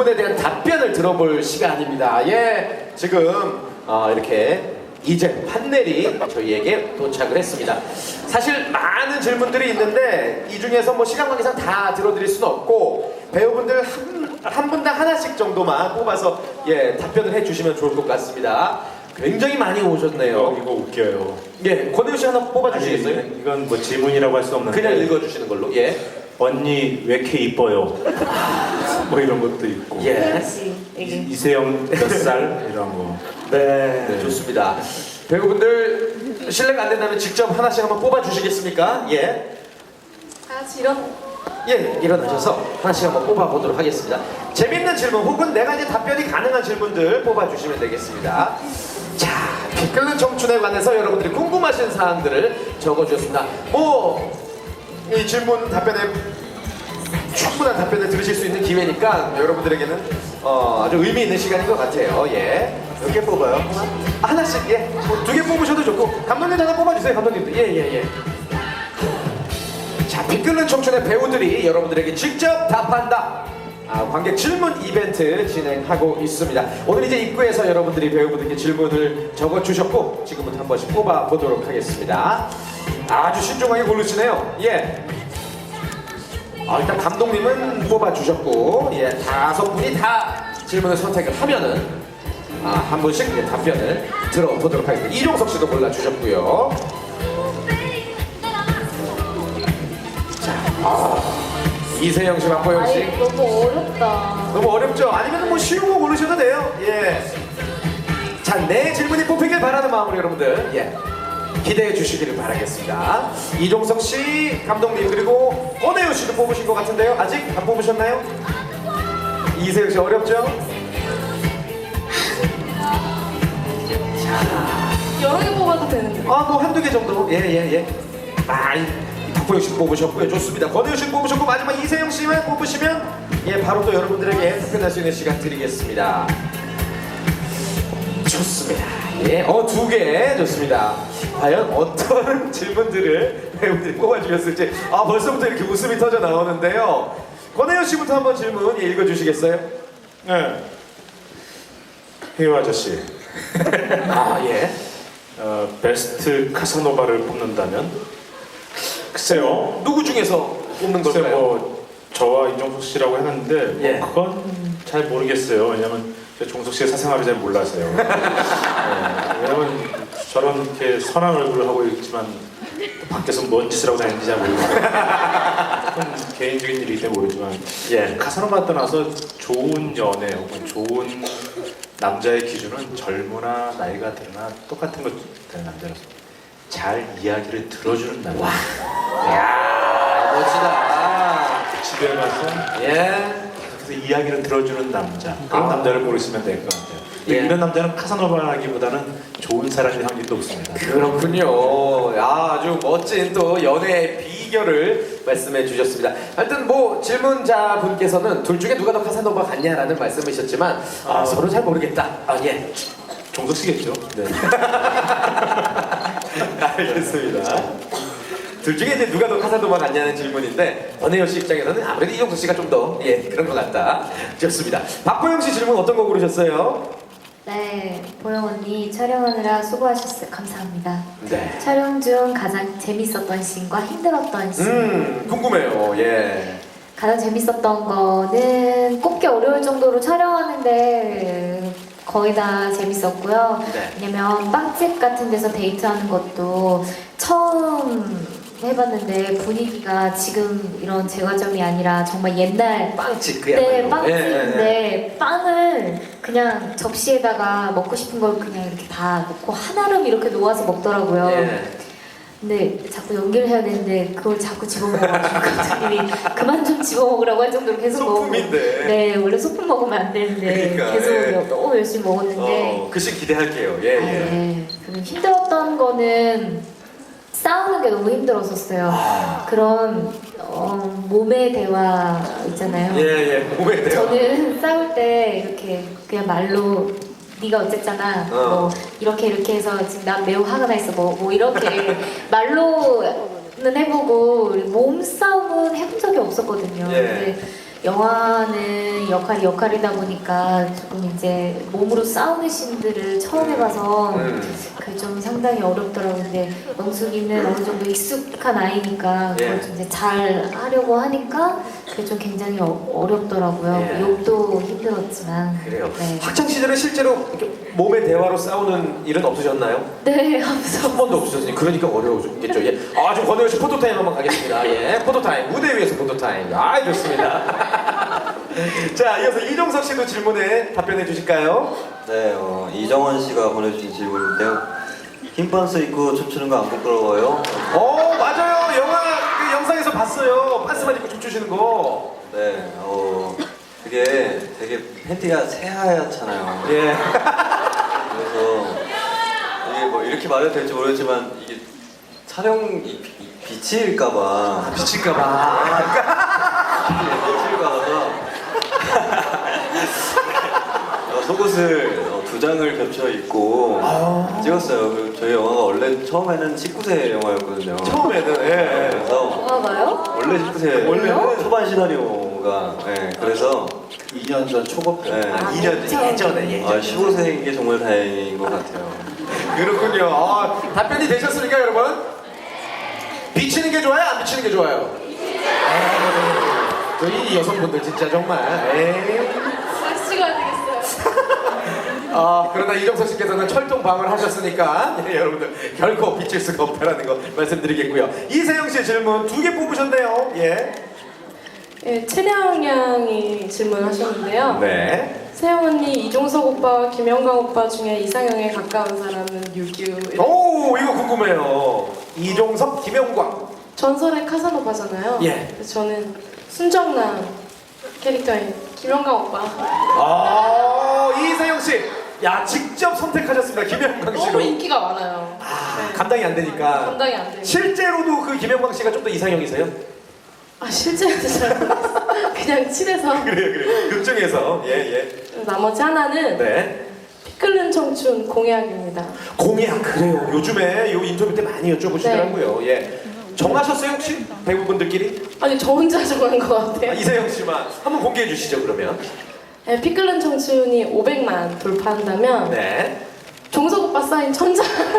질문에 대한 답변을 들어볼 시간입니다. 예, 지금 이렇게 이제 판넬이 저희에게 도착을 했습니다. 사실 많은 질문들이 있는데 이 중에서 뭐 시간 관계상 다 들어드릴 수는 없고 배우분들 한 분당 하나씩 정도만 뽑아서 예 답변을 해주시면 좋을 것 같습니다. 굉장히 많이 오셨네요. 이거 웃겨요. 예, 권혜우 씨 하나 뽑아주시겠어요? 아니, 이건 뭐 질문이라고 할 수 없는데 그냥 읽어주시는 걸로. 예. 언니 왜 이렇게 이뻐요? 뭐 이런 것도 있고 예. 이세영 몇 살? 이런 거. 네, 좋습니다. 배우분들 실례가 안 된다면 직접 하나씩 한번 뽑아주시겠습니까? 예. 다 같이 이런. 예, 일어나셔서 하나씩 한번 뽑아보도록 하겠습니다. 재밌는 질문 혹은 내가 이제 답변이 가능한 질문들 뽑아주시면 되겠습니다. 자, 피 끓는 청춘에 관해서 여러분들이 궁금하신 사항들을 적어주셨습니다. 이 질문 답변에 충분한 답변을 들으실 수 있는 기회니까 여러분들에게는 아주 의미 있는 시간인 것 같아요. 예. 몇 개 뽑아요? 하나씩, 예. 두 개 뽑으셔도 좋고. 감독님도 하나 뽑아주세요, 감독님도. 예. 자, 피 끓는 청춘의 배우들이 여러분들에게 직접 답한다. 관객 질문 이벤트 진행하고 있습니다. 오늘 이제 입구에서 여러분들이 배우분들께 질문을 적어주셨고 지금부터 한 번씩 뽑아보도록 하겠습니다. 아주 신중하게 고르시네요. 예. 일단 감독님은 뽑아주셨고 예, 5분이 다 질문을 선택을 하면은 한 분씩 예, 답변을 들어보도록 하겠습니다. 이종석 씨도 골라주셨고요. 이세영 씨, 박보영 씨. 아이, 너무 어렵다. 너무 어렵죠? 아니면 뭐 쉬운 거 고르셔도 돼요. 예. 자, 내 질문이 뽑히길 바라는 마음으로 여러분들 예 기대해 주시기를 바라겠습니다. 이종석 씨, 감독님 그리고 권혜우 씨도 뽑으신 것 같은데요. 아직 안 뽑으셨나요? 이세영 씨 어렵죠? 여러 개 뽑아도 되는데. 뭐 한두 개 정도. 예. 박보영 씨 뽑으셨고요. 좋습니다. 권혜우 씨 뽑으셨고 마지막 이세영 씨만 뽑으시면 예 바로 또 여러분들에게 답변할 수 있는 시간 드리겠습니다. 좋습니다. 예, 2개 좋습니다. 과연 어떤 질문들을 배우들이 뽑아주셨을지 벌써부터 이렇게 웃음이 터져 나오는데요. 권혜우 씨부터 한번 질문 읽어주시겠어요? 네. 혜유 아저씨. 예. 베스트 카사노바를 뽑는다면? 글쎄요. 누구 중에서 뽑는 글쎄 걸까요? 뭐 저와 이종석 씨라고 했는데 예. 그건 잘 모르겠어요. 왜냐면 제가 종석 씨의 사생활을 잘 몰라서요. 왜냐면 저런 이렇게 선한 얼굴을 하고 있지만 밖에서 뭔 짓을 하고 다니는지 잘 모르겠어요. 그건 개인적인 일이기 때문에 모르지만 예. 카사노바 떠나서 좋은 연애 혹은 좋은 남자의 기준은 젊으나 나이가 드나 똑같은 것 되는 남자라서 잘 이야기를 들어주는 남자. 이야, 멋지다. 집에 가서 예. 그래서 이야기를 들어주는 남자 그런 남자를 고르시면 될 것 같아요. 근데 예. 이런 남자는 카사노바라기보다는 좋은 사람일 확률이 높습니다. 그렇군요. 아주 멋진 또 연애의 비결을 말씀해 주셨습니다. 하여튼 뭐 질문자 분께서는 둘 중에 누가 더 카사노바 같냐라는 말씀이셨지만 서로 잘 모르겠다. 예. 종석 씨겠죠? 네. 알겠습니다. 둘 중에 이제 누가 더 카사노바 같냐는 질문인데 권혜영 씨 입장에서는 아무래도 이종석 씨가 좀 더 그런 것 같다. 좋습니다. 박보영 씨 질문 어떤 거 고르셨어요? 네, 보영 언니 촬영하느라 수고하셨어요. 감사합니다. 네. 촬영 중 가장 재밌었던 씬과 힘들었던 씬. 궁금해요. 예. 가장 재밌었던 거는 꼽기 어려울 정도로 촬영하는데 거의 다 재밌었고요. 네. 왜냐면 빵집 같은 데서 데이트하는 것도 처음 해봤는데 분위기가 지금 이런 제과점이 아니라 정말 옛날 빵집 그야말로. 네, 빵집인데 예. 빵을 그냥 접시에다가 먹고 싶은 걸 그냥 이렇게 다 넣고 한아름 이렇게 놓아서 먹더라고요. 예. 근데 자꾸 연기를 해야 되는데 그걸 자꾸 집어먹어가지고 감독님이 그만 좀 집어먹으라고 할 정도로 계속 먹고. 소품인데. 네, 원래 소품 먹으면 안 되는데 그러니까, 계속 예. 너무 열심히 먹었는데. 글씨 기대할게요. 예. 네. 그리고 힘들었던 거는 싸우는 게 너무 힘들었었어요. 그런 몸의 대화 있잖아요. 예. 몸에 대요. 저는 싸울 때 이렇게 그냥 말로 네가 어쨌잖아. 뭐 이렇게 해서 지금 난 매우 화가 나 있어. 뭐 이렇게 말로는 해보고 몸싸움은 해본 적이 없었거든요. 예. 근데 영화는 역할이다 보니까 조금 이제 몸으로 싸우는 씬들을 처음 해봐서 그게 좀 상당히 어렵더라고요. 근데 영숙이는 어느 정도 익숙한 아이니까 그걸 좀 이제 잘 하려고 하니까 그게 좀 굉장히 어렵더라고요. 예. 욕도 힘들었지만. 그래요. 네. 학창 시절에 실제로 이렇게 몸의 대화로 싸우는 일은 없으셨나요? 네, 하면서. 한 번도 없으셨으니 그러니까 어려우셨겠죠. 예. 아, 좀 권혜원 씨 포토타임 한번 가겠습니다. 예, 포토타임. 무대 위에서 포토타임. 아, 좋습니다. 자, 이어서 이종석 씨도 질문에 답변해 주실까요? 네, 이정원 씨가 보내주신 질문인데요. 흰 반스 입고 춤추는 거 안 부끄러워요? 맞아요. 영화 그 영상에서 봤어요. 반스만 입고 춤추시는 거. 네, 그게 되게 팬티가 새하얗잖아요. 예. 그래서 이게 뭐 이렇게 말해도 될지 모르겠지만 이게 촬영 빛일까봐 미칠까봐. 빛일까봐서 속옷을 2장을 겹쳐 입고 찍었어요. 그리고 저희 영화가 원래 처음에는 19세 영화였거든요. 처음에는 예. 그래서 영화가요? 원래 19세 원래는? 초반 시나리오가 그래서 2년 전 초급 때. 2년 예전에. 15세인 게 정말 다행인 것 같아요. 그렇군요. 답변이 되셨습니까, 여러분? 비치는 게 좋아요? 안 비치는 게 좋아요? 저희 여성분들 진짜 정말. 다시 찍어야 되겠어요. 그러나 이정석 씨께서는 철동방을 하셨으니까 여러분들 결코 비칠 수가 없다라는 거 말씀드리겠고요. 이세영 씨의 질문 2개 뽑으셨네요. 예. 예, 최량 양이 질문하셨는데요. 네. 세영 언니, 이종석 오빠와 김영광 오빠 중에 이상형에 가까운 사람은 유규. 오, 이거 궁금해요. 이종석, 김영광. 전설의 카사노바잖아요. 예. 그래서 저는 순정남 캐릭터인 김영광 오빠. 이세영 씨. 야, 직접 선택하셨습니다. 김영광 씨로. 너무 인기가 많아요. 감당이 안 되니까. 감당이 안 돼요. 실제로도 그 김영광 씨가 좀 더 이상형이세요? 실제로는 잘 모르겠어요. 그냥 친해서. 그래요. 극중에서. 예. 나머지 하나는 네. 피 끓는 청춘 공약입니다. 공약 그래요. 요즘에 요 인터뷰 때 많이 여쭤보시더라고요. 예. 정하셨어요 혹시 배우분들끼리? 아니 저 혼자 정한 것 같아요. 이세영 씨만 한번 공개해 주시죠 그러면. 네, 피 끓는 청춘이 500만 돌파한다면 네. 종석 오빠 사인 1000장.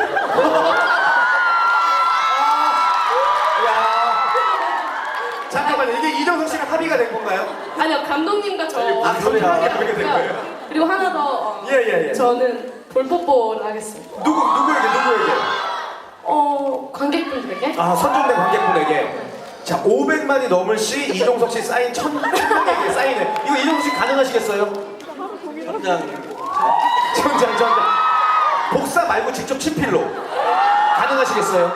잠깐만요. 이게 이정석 씨랑 합의가 된 건가요? 아니요 감독님과 저 그렇게 된 거예요. 그리고 하나 더 예. 저는 볼뽀뽀를 하겠습니다. 누구에게? 관객분들에게. 선정된 관객분에게. 자, 500만이 넘을 시 이종석 씨 사인 1000명에게 사인을. 이거 이종석 씨 가능하시겠어요? 천장. 복사 말고 직접 친필로. 가능하시겠어요?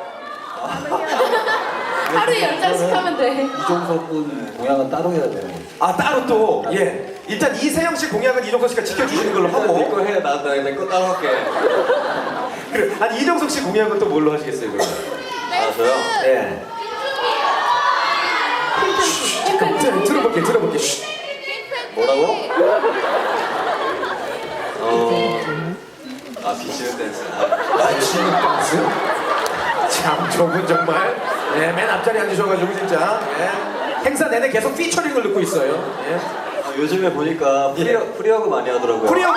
하루에 10장씩 하면 돼. 이종석 군 공약은 따로 해야 돼요. 따로 또. 예. 일단 이세영 씨 공약은 이종석 씨가 지켜주시는 걸로 하고. 내거 해, 내거 따로 할게. 그래. 아니 이종석 씨 공약은 또 뭘로 하시겠어요, 그러면? 저요? 예. 들어볼게. 쉿. 뭐라고? 비치는 댄스. 비치는 댄스? 참 저분 정말 맨 앞자리에 앉으셔가지고 진짜 행사 내내 계속 피처링을 넣고 있어요. 요즘에 보니까 프리허그 많이 하더라고요. 프리허그.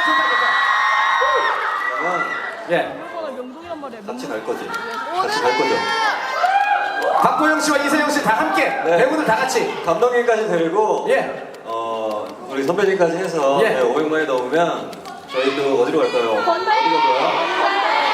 그러면 예. 같이 갈 거지. 같이 갈 거죠. 박보영 씨와 이세영 씨 다 함께 네. 배우들 다 같이. 감독님까지 데리고 우리 선배님까지 해서 500만이 넘으면 저희도 어디로 갈까요? 어디로 갈까요?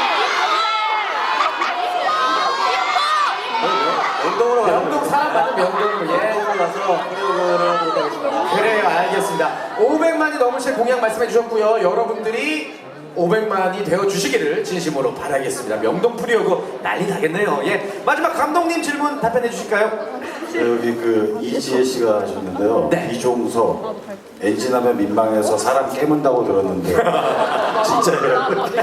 명동으로 가요. 명동 사람 많은 명동으로. 명동으로 가서 프리허그를 하도록 하겠습니다. 그래요, 알겠습니다. 500만이 넘으실 공약 말씀해 주셨고요. 여러분들이 500만이 되어 주시기를 진심으로 바라겠습니다. 명동 프리허그 난리 나겠네요. 예. 마지막 감독님 질문 답변해 주실까요? 여기 이지혜 씨가 하셨는데요. 네. 이종석 엔진하면 민망해서 사람 깨문다고 들었는데 진짜예요?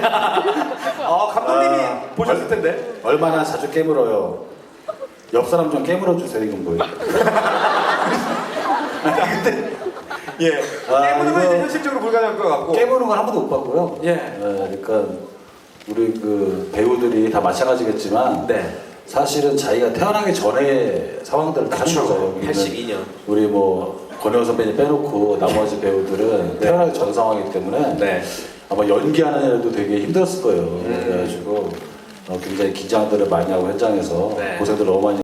감독님이 보셨을 텐데. 얼마나 자주 깨물어요? 옆 사람 좀 깨물어 주세요. 이건 뭐예요? 예. 깨무는 건 이제 이거- 현실적으로 불가능할 것 같고. 깨무는 건 한 번도 못 봤고요. 예. 그러니까 우리 배우들이 다 마찬가지겠지만 네. 사실은 자기가 태어나기 전에 상황들을 다 그쵸. 거예요. 우리는 82년. 우리 뭐 권혜원 선배님 빼놓고 나머지 배우들은 네. 태어나기 전 상황이기 때문에 네. 아마 연기하는 애들도 되게 힘들었을 거예요. 그래가지고 굉장히 긴장들을 많이 하고 현장에서 네. 고생들 너무 많이